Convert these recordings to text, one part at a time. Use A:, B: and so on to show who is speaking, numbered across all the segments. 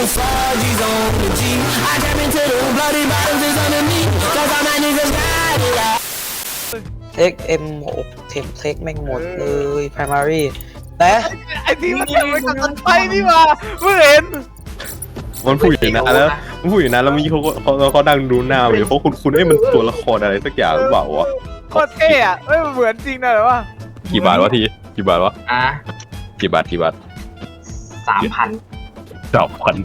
A: 4G's on the G. I tap into the bloody bottoms is under me. Cause all my niggas got it out.
B: เทค M6 เทคแม่งหมดเลย primary แต่
C: ไอพี่มันเป็นกับตันไฟนี่มาเพิ่งเห็น
D: มันพูดอยู่นะแล้วมันพูดอยู่นะแล้วมีเขาดังดูหน้าเลยเขาคุณมันตัวละครอะไรสักอย่างหรือเปล่าวะ
C: โคตรเท่อะเอ้ยมันเหมือนจริงนะเหรอวะ
D: กี่บาทวะทีกี่บาทวะ
E: อ่ะ
D: กี่บาท
E: 3,000
D: 3,000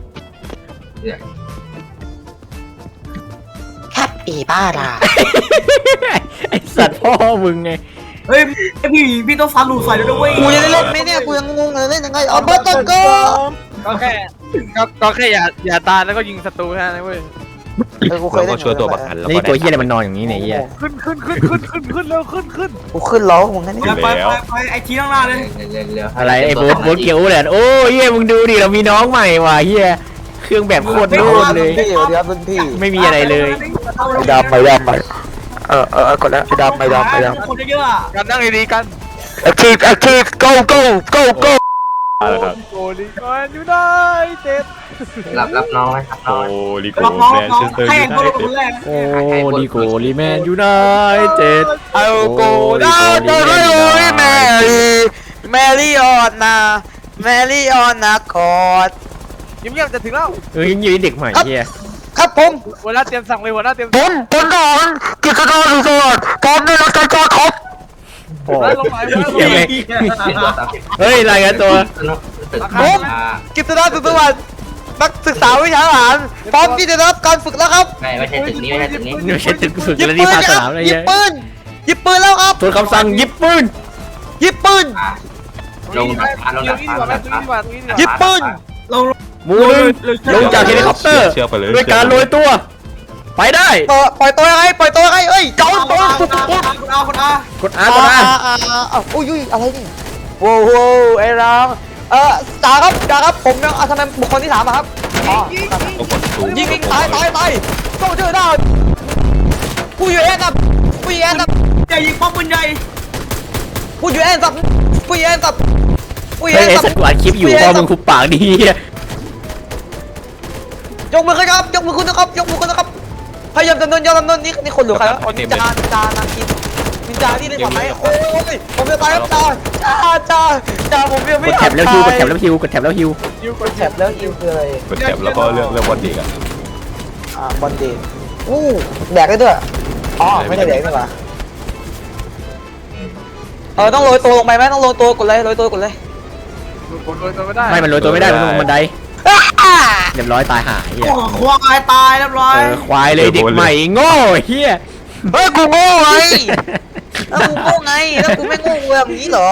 B: ครับอีบ้าล่ะ
F: ไอสัตว์พ่อมึงไง
E: เฮ้ยพี่ต้องฟันหลุดใส่ด้วยเว้ย
B: กูจะได้เล่นไหมเนี่ยกูยังงงเลยเล่นยังไงเอาเบอร์ตก็
C: ก็แค่อย่าตายแล้วก็ยิงศัตรูแค่นั้นเว้ย
B: กูเคย
D: เรา
B: เล่
D: ก็
B: น
D: ช่วยตัวประกันแล้ว
F: นี่
D: ก็
F: ตัวเฮียอะไรมันนอนอย่างนี้เนี่ยเฮีย
C: ขึ้นเร็วขึ้น
B: กูขึ้นล้อมึงนั่นนี่
E: ไปไอทีข้างหน้าเลย
F: อะไรไอ้โบ๊ทเกียวเลยโอ้เฮียมึงดูดิเรามีน้องใหม่ว่ะเฮียเครื่องแบบโคตรโดนเลย
B: พี่เดี๋ยวรุ่นพี่
F: ไม่มีอะไรเลย
B: ดำไปกดแล้วดำไป
E: คนเยอะๆอ่ะ
C: กันนั่งดีๆกัน
B: active go
D: อะไรครับ
C: โกลีกอนอยู่ได้เจ็ด
E: รับน้องไหมครับ
D: โอ้ลิโก้
E: รับน้อง
D: แม
E: รับ
D: น
E: น้อง
D: เชสเตอร์
E: ให้
D: ยู
E: คน
D: ไน
E: ละค
D: เต็ด
E: นแรก
F: โอ้ดีโกลีแมนยูไนเต็ด
B: เอาโกดาวจะให้โอ้ยแมรี่ออนนะคอร์ด
C: เงียบๆจะถึงแล้ว
F: เอ้ยยังอยู่เด็กใหม่เฮีย
B: ครับผม
C: หัวหน้าเตรียมสั่งเลยหัวหน้าเตรียม
B: ผมก่อนกิจการรีสอร์ทพร้อมด้วยนักการครับ
F: โอ้
C: ลงมา
F: เฮียไม่เฮ้ยรายงานตัว
B: ผมกิจการสุขสวัสดิ์นักศึกษาวิชาทหารพร้อมที่จะรับการฝึกแล้วครับ
E: ไม่ใช่ตึกนี้ไม่ใช่ตึกนี้
F: นี่ไม่ใช่ตึกฝึกแล้วนี่ภาคสนามอะไร
B: หยิ
F: เงี้
B: บ
F: ย
B: ปืนแล้วครับ
F: ทวนคำสั่งยิบปืน
B: หยิบปืน
E: ลงดับฟ้าลงดับฟ้าลงดับฟ้า
B: หยิบปืน
F: หมูหนึ่งลงจากเฮลิคอปเตอร์
D: เชื่อไปเลย
F: ด้วยการโรยตัว ไปได้
B: ปล่อยตัวยังไงเอ้ยเจ้าตัว
E: คนเอา
F: กดอาร์กดอาร์
B: อุ้ยอะไรนี่โว้ไอ้รังจ่าครับผมยังทำไมบุคคลที่3ครับอ๋อ
D: ก็กดซูม
B: ยิงตายต้องเจอได้ผู้ยูเอ็นครับผู้ยูเอ็นครับ
E: จะยิงป้อมปืนใหญ่
B: ผู้ยูเอ็นครับผู้ยูเอ็นครับผู้ยู
F: เฮ้
B: เอ็
F: ย
B: นครับ
F: สัตว์กวาดคลิปอยู่พ่อมึงคุบปากดี
B: ยกมือขึ้นครับยกมือขึ้นนะครับพยายามดำเนินนี่คนหรือใครวะนินจานาคินนินจาที่เล่นบอลไหมโอ้ยผมจะตายครับจ่าผมยัง
F: ก
B: ไม่
F: ดแท็บแล้วฮิวกดแท็บแล้วฮิวกดแท็บแล้วฮิว
B: กดแท็บแล้วฮิวคืออะไร
D: กดแท็บแล้วก็เรื่องวันเด็กอ่ะ
B: บอลเดนแดกได้ด้วยอ๋อไม่ได้แดกนี่หว่าต้องโรยตัวลงไปไหมต้องโรยตัวกดเลย
C: โรยตัวไม่ได้
F: ไม่มันโรยตัวไม่ได้มันต้องลงบันไดเรียบร้อยตายหายเฮีย
E: โอ้ควายตายเรียบร้อย
F: ควายเลยเด็กใหม่โง่เฮีย
B: เฮ้ยกูโง่ไงแล้วกูไม่โง่แบบนี้เหรอ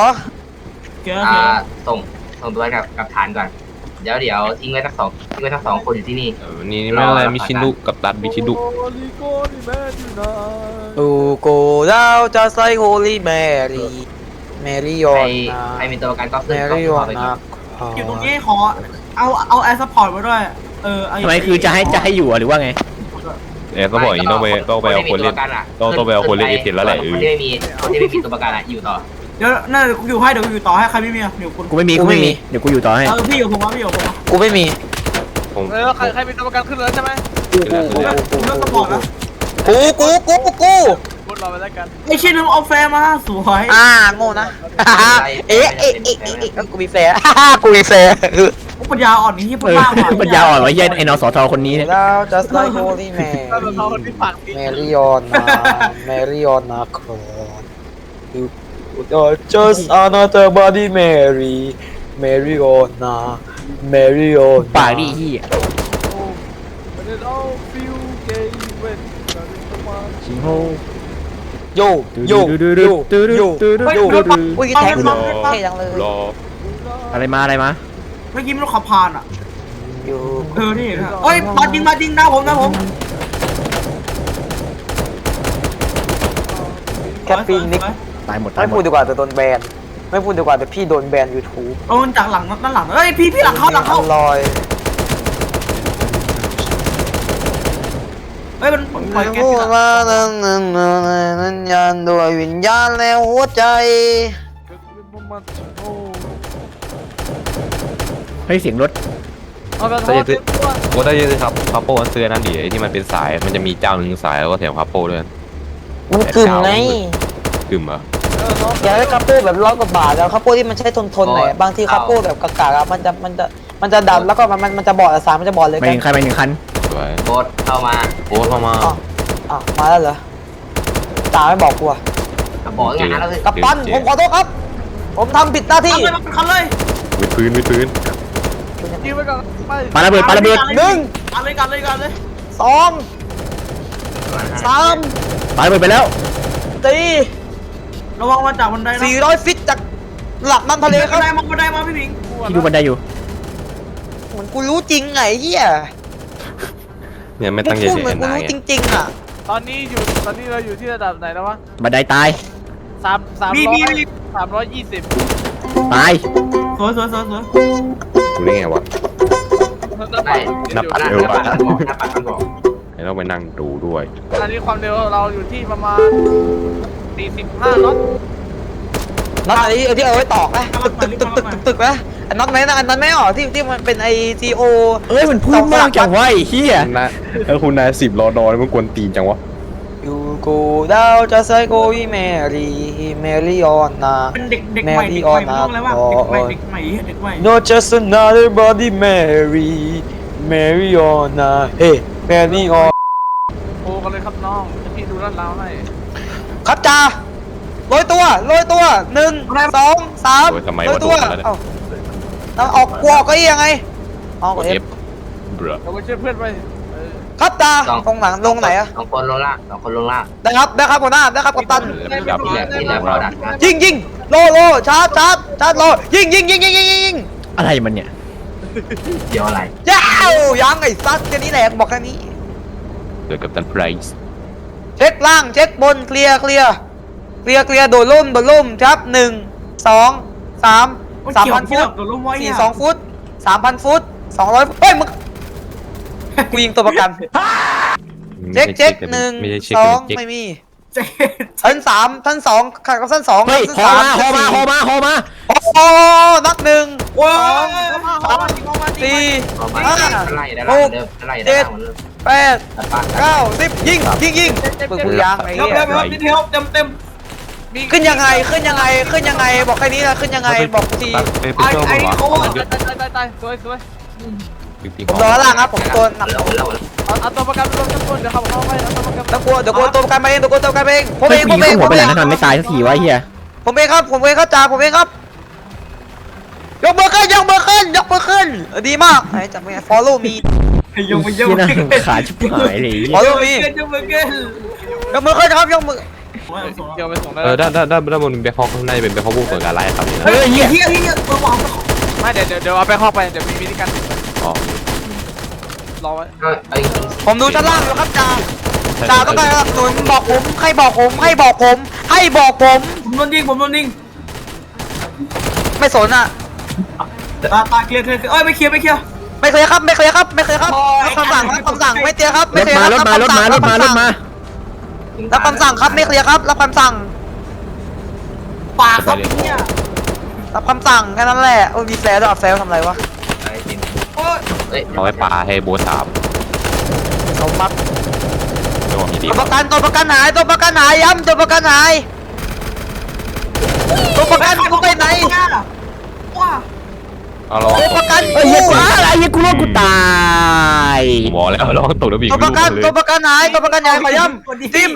E: ส่งตัวกับฐานก่อนเดี๋ยวทิ้งไว้ทั้งสองคนอยู่ที่นี่
D: นี่ไม่อะไรมิชินุกับตัดมิชินุ
C: โกลีโกลีแมนอยู่นะ
B: ตูโกดาวจะใส่โฮลี่แมรี่ออนนะ
E: ใครมีตัวประกันก็
B: แม
E: ซื้อ
B: รี่ออนนะ
E: อยู่ตรงนี้ขอเอาแอร์ซัพพอร์ตมาด้วย
F: ทำไมคือจะให้อยู่หรือว่าไง
D: ก็บอกอย่างนี้ต้องไปเอาคนเล่นต้องไปเอาคนเล่นเอเทนแล้วแหละ
E: คนที่ไม่มีตัวประกันอ่ะอยู่ต่อเดี๋ยวน่าจะอยู่ให้เดี๋ยวอยู่ต่อให้ใครไม่มีเดี๋ยวคุณ
F: กูไม่มีเดี๋ยวกูอยู่ต่อให้
E: พี่อยู่ผม
B: กูไม่มี
C: ใครมีตัวประกันขึ้นเลยใช่ไหม
E: ผมเลือกซัพพอร์ตแล้ว
B: กู
C: พูดรอไปแล้วกัน
E: ไอ้ชิ้นนึงเอาแฟร์มาสวย
B: โง่นะเอ๊ะกูมีแฟร์
E: ปัญญาอ่อนนี่ที่ปัญญาอ่อน
F: ปัญญาอ่อนวะเฮียไอ้นสทคนนี้เนี่ย
B: แล้วจะใส่โฮลี่แม
C: เราคนที่ปากดี
B: รี่ออนนะคอร์You just another body Mary on นะ Mary on
F: ปากดีเฮีย
C: มันจะเอาฟิวเกย์เว้นกันประมาณ
F: ชิงโฮ
B: โยอุ้ยแท็กเท่จังเลย
D: รอ
F: อะไรมา
E: เมื่อกี้มันขับผ่านอ่ะ
B: อยู่
E: นี่เอ้ยมาจริงนะผม
B: แคปปี้นิก
F: ตายหมด
B: ไม่พูดดีกว่าแต่โดนแบนไม่พูดดีกว่าแต่พี่โดนแบน YouTube
E: โดนจากหลังด้านหลังเอ้ยพี่หลังเข้า
B: ลอย
E: เฮ้ยมันปล่อยแก๊
B: พู
E: ส
B: ดมานั้นยันด้วยวิญญาณและหัวใจ
F: เฮ้ยเสียงรถ
C: เอาไปท
D: ถ้า
C: อ
D: จะ
C: ด
D: ซื้อ
C: ตัว
D: โอ้ถ้าจะซื้อครับคาโป้มันซื้อนั่นดิไอ้ที่มันเป็นสายมันจะมีเจ้าหนึ่งสายแล้วก็แถมคาโป้ด้วย
B: มันกึ่มไง
D: กึ่มเหรอ
B: อยากได้คาโป้แบบ100 กว่าบาทแล้วคาโป้ที่มันใช้ทนหน่อยบางทีคาโป้แบบกากๆอะมันจะดันแล้วก็มันจะบอดสารมันจะบอดเลย
F: ไปหนึ่งคันไปหนึ่งคัน
D: สวย
E: โบสเข้ามา
D: โอ้เข้ามา
B: อ้าวมาแล้วเหรอตาไม่บอกกูอะ
E: บอกงานแล้วสิ
B: กัปตันผมขอโทษครับ ผมทำผิดหน้าที่
E: ทำเลยมันคันเลย
D: วิดพื้น
C: ยิงไปก่อนไป
F: ปาระเบิดปาระเบิด
B: หนึ่ง
E: กันเลยกันเลยกันเลย
B: สองสาม
F: ปาระเบิดไปแล้ว
B: สี่
E: ระวังมาจากบันไดนะ
B: 400 ฟิตจากหลักน้ำทะเลค
E: บั
B: รั
E: น
B: บ
E: ไดมาบันไดมาพี่พิง
F: ที่ดูบันไดอยู่
B: เหมือนกูรู้จริงไงเฮีย
D: เนี่ยไม่ตั้งใจ
B: พูด
D: เสีย
B: เหมือนกู
D: นาย
B: รู้จริงๆอ่ะ
C: ตอนนี้เราอยู่ที่ระดับไหนแล้ววะ
F: บันไดตาย
C: 320
F: ตาย
E: สวยสวยสวยสวย
D: ดูได้ไงวะ
E: ได้
D: นับ
E: หน้า
D: เร็ว
E: ปั
D: ว่ะ
E: ดมันบอกหน้าปัดมันบอก
D: ให้เราไปนั่งดูด้วย
C: ตอนนี้ความเร็วเราอยู่ที่ประมาณ45 น็อต
B: น็อตอะไรที่เอาไว้ตอกนะตึกนะอันน็อตไหนนะอันนั้นไม่ออกที่มันเป็นไอซีโอ
F: เอ้ยมันพูดมากจังวะไอ้เหี้ย
D: นะถ้าคุณนาย10 รอดอมันกวนตีนจังวะ
B: อยู่กูดาวจะใส่โกวีแมรี่ออนนา
E: เป็นเด็กใหม่เด็กใหม่ต้องอะไรวะเด็กใหม่เด็กใหม่
B: Not just another body Mary on hey Mary on
C: โอ้กันเลยครับน้องพี่ดูลาดราวให้
B: ครับจ่าโรยตัว1 2 3โรยตัวเอาออกกวกก็ยังไงออก
D: กด
B: เอ
D: F
B: ฟ
D: เบื่อ
C: เราไปช่วยเพื่อนไป
B: ครับจ่าตรงหลังลงไหนอะ
E: สองคนลงล่างสองคนลงล่าง
B: ได้ครับหัวหน้าได้ครับกัปตัน
D: ดับ
E: นี่แหละนี่แหละเราดักนะ
B: ยิงโลชาร์จโลยิง
F: อะไรมันเนี่ย
E: เดี๋ยวอะไร
B: ย้าวยังไอ้ซัดแค่นี้แหละบอกแค่นี้
D: เดี๋ยวกับตันไพรส์
B: เช็คล่างเช็คบนเคลียร์โดดล่มครับ1 2 3 3,000 ฟุต
E: ตัวล้มไว้เนี่ย
B: 42 ฟุต 3,000 ฟุต 200 เฮ้ยมึงกูยิงตัวประกันเช็ค1
D: ไม่ใช่เช็ค
B: 2ไม่มี
E: เจ๊
B: ชั้น3ชั้น2ขาดกับชั้น2
F: เฮ้ย
B: ชั้น
F: ฮอมา
B: 3
F: ฮอมา
B: โอ้โหนัด1
E: ว้า
B: 2 3 4 5
E: ไล่ได้แล้วเดิมไล่ได้แล้ว
B: 8 9 10ยิงมึงยางไอ้
E: เดี๋ยว
B: เหี้ย
E: เดี๋ยวเต็ม
B: ขึ้นยังไงบอกแค่นี้นะขึ้นยังไงบอกที
D: ไปเที่ยวมั้งวะ
C: ตายสวย
B: ผมรอล่างครับผมตัวหนัก
E: แล้ว
C: เอาตัวประกันรวมกันเดี๋ยวครับเอาไปเอาตัวประกัน
B: ต้องกลัวเดี๋ยวกลัวตัวประกันมาเองผม
F: เฮ้
B: เอย ง
F: กูยิงเข้าหัวไปแล้วนะทำไมไม่ตายสักทีวะไอ้เหี้ย
B: ผมเองครับจ่าผมเองครับยกมือขึ้นดีมากไอ้จับมือ follow me
E: ยก
F: เหี้ยน่ารำคาญชิบหายเลยไอ้เหี้ย
B: follow me
E: ยกมือขึ้น
B: ยกมือขึ้นครับยกมือ
C: เกี่ยวไปส่งได้
D: ด้านบนเป็นแบ็คฮอคข้างในเป็นแบ็คฮอคบุกเปิดการไล่ครับนี่นะ
F: เฮ้ยเหี้ย
E: เฮียตัววาง
C: ไม่เดี๋ยวเอาไปเข้าไปเดี๋ยวมีวิธีการ
D: อ๋อ
C: รอไว้
B: ผมดูชั้นล่างอยู่ครับจ่าต้องการสนับสนุนบอกผมให้บอกผม
E: ผมโดนยิง
B: ไม่สนอ่ะ
E: ตาเคลียร์เอ้ยไม่เคลียร์
B: ไม่เคยครับรับคำสั่งไม่เตียครับ
F: รถมารถมา
B: รับคำสั่งครับไม่เคลียร์ครับรับคำสั่ง
E: ปากครับเนี่ย
B: รับคำสั่งแค่นั้นแหละโอ้ยมีแฟร์ด้วยแฟร์ทำอะไรวะ
D: เอาไว้ปลาให้โบสาม
B: เขามัก
D: จังหวะมีดี
B: ตัวประกันหายย้ำตัวประกันหายตัวประกันกูไปไหน
E: ว้า
D: เอาลอง
B: ตัวประกัน
F: เฮ้ยเหี้ยกูอะไรเหี้ยกูรอดกูตาย
D: บอกแล้วลองตกแล้วบี
B: ตัวประกันหายขอย้ำทีม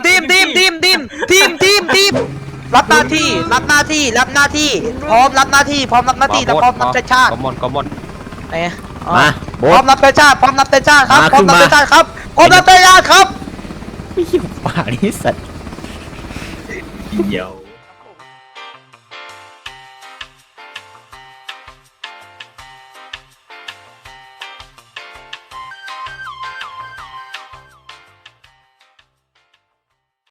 B: รับหน้าที่พร้อมรับหน้าที่และพร้อมรับใช้ชาติ
D: กอมมอน
B: ไหน
F: มาโบ
B: พร้อ
F: ส
B: มรับใช้ชาติครับ
F: มา
B: พร้อมรับใช้ชาติครับ
F: ไม่หิวป่านี่สัตว์
E: เดี๋ยว